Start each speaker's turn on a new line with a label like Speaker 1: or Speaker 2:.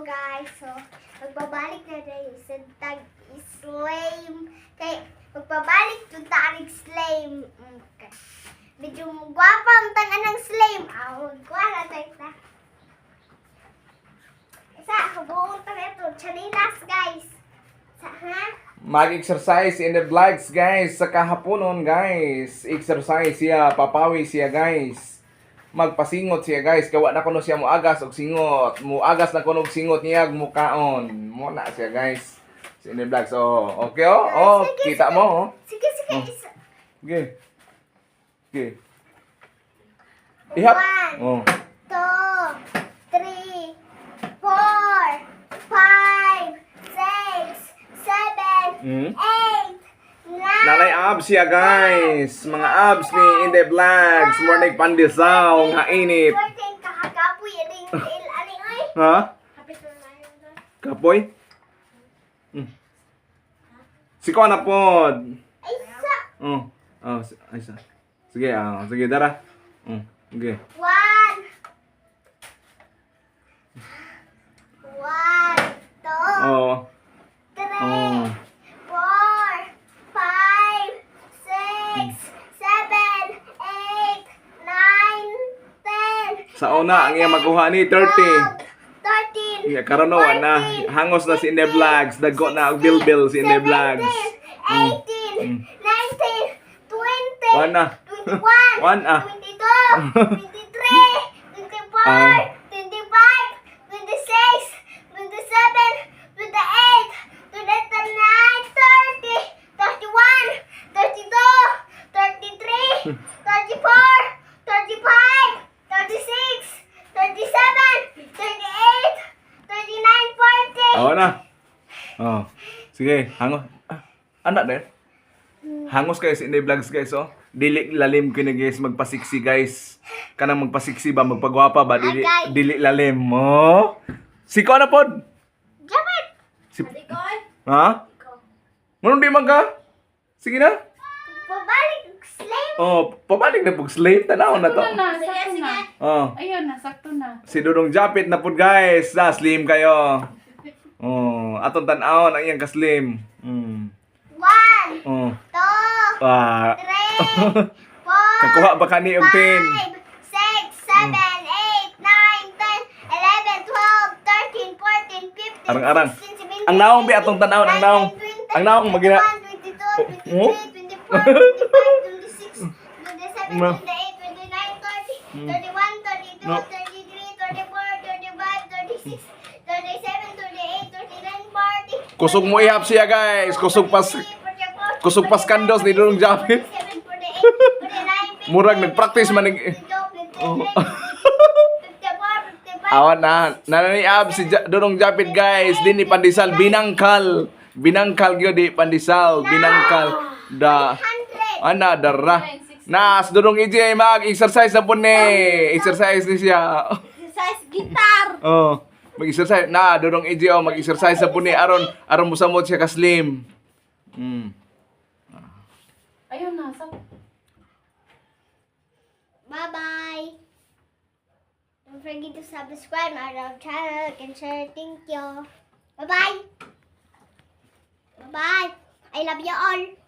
Speaker 1: guys, so magbabalik na tayo sa tag-slame. Kay magbabalik to tag-slame. Okay. Medyo gwapa ang tangan ng slame. Gwapa tayo na. Isa, kabuong tayo ito. Chanilas, guys. Sa, ha?
Speaker 2: Mag-exercise in the vlogs, guys. Sa kahaponon, guys. Exercise siya, papawi siya, guys. Magpasingot siya, guys. Kawa na kuno siya muagas og singot. Muagas na kuno og singot niya mukaon. Mo na siya, guys. Sa in the vlogs. Oh, okay oh. Oh,
Speaker 1: Sige,
Speaker 2: kita
Speaker 1: sige.
Speaker 2: mo oh.
Speaker 1: Sige, sige.
Speaker 2: Oh.
Speaker 1: Isa.
Speaker 2: Okay. Okay. Ihap.
Speaker 1: 1,
Speaker 2: Oh.
Speaker 1: 2, 3, 4, 5, 6, 7,
Speaker 2: Hmm?
Speaker 1: 8, 9.
Speaker 2: Nalay abs siya, guys. Mga abs ni in the vlogs. Morning pandisaw nga init.
Speaker 1: Kakakapoy, aling aling ay.
Speaker 2: Ha?
Speaker 1: Kapit na lang doon.
Speaker 2: Kapoy? Siko na pod.
Speaker 1: Ay, sa.
Speaker 2: Oh. Oh, ay sa. Sige, sige dara. Okay.
Speaker 1: 1, 1, 2,
Speaker 2: Oh.
Speaker 1: 3,
Speaker 2: Oh.
Speaker 1: 4, 5, 6, 7, 8, 9, 10.
Speaker 2: Sa una ang iya makuha ni 30.
Speaker 1: 13.
Speaker 2: Iya karon no na hangos na si Inde Vlogs, dagko na og bilbil si Inde Vlogs.
Speaker 1: 18, 19, 20,
Speaker 2: Wan na.
Speaker 1: 21,
Speaker 2: Wan,
Speaker 1: 22, 23, 24, 25, 26, 27, 28, 29, 30, 31, 32, 33, 34, 35, 36, 37, 38, 39, 40.
Speaker 2: Oh na. Oh. Sige, hangos. Anak din. Hangos kayo sa Inde Vlogs, guys, oh. Dili lalim kini, guys, magpasiksi, guys. Kanang magpasiksi ba, magpagwapa ba, dili
Speaker 1: Agay.
Speaker 2: dili lalim mo. Siko na pod.
Speaker 1: Dapat.
Speaker 2: Si
Speaker 1: Adikoy.
Speaker 2: Ha? Ngunong di man ka? Sige na.
Speaker 1: Pabalik, slave.
Speaker 2: Oh, pabalik na pug slave tanaw na to.
Speaker 3: Sakto na, sakto na.
Speaker 2: Oh,
Speaker 3: Ayun na, sakto na.
Speaker 2: si Dudong Japit na pod, guys. Slim kayo. Oh, aton tan-awon ang iyang ka-slim.
Speaker 1: 1, 2,
Speaker 2: Oh. Ah.
Speaker 1: 3, 4,
Speaker 2: Kakuha ba kani og 10?
Speaker 1: 5, 6, 7, 8, 9, 10, 11, 12, 13, 14, 15,
Speaker 2: Arang-arang.
Speaker 1: 16, 17,
Speaker 2: Ang naong bi atong tan-awon, ang naong. Ang naong magina.
Speaker 1: 21, 22,
Speaker 2: Oh?
Speaker 1: 23, 24, 25, 26, 27,
Speaker 2: No.
Speaker 1: 28, 29, 30, 31, 32,
Speaker 2: No.
Speaker 1: 33, 34, 35, 36, 37, 38, 39, 40.
Speaker 2: Kusog mo ihap siya, guys. Kusog pas kandos ni Dudong Japit. Murag nagpractice man Oh. Awan na. Nananiab si Dudong Japit, guys. Di ni pandisal binangkal. Binangkal gyud di pandisal, binangkal. Da ana dara. Nas Dudong EJ mag-exercise na po ni. Exercise ni siya.
Speaker 1: Exercise guitar.
Speaker 2: Oh, mag-exercise na Dudong EJ oh, mag-exercise na po ni aron musamot siya ka slim.
Speaker 3: Ayun na, sakto.
Speaker 1: Bye-bye. Don't forget to subscribe our channel and share. Thank you. Bye-bye. Bye-bye. I love you all.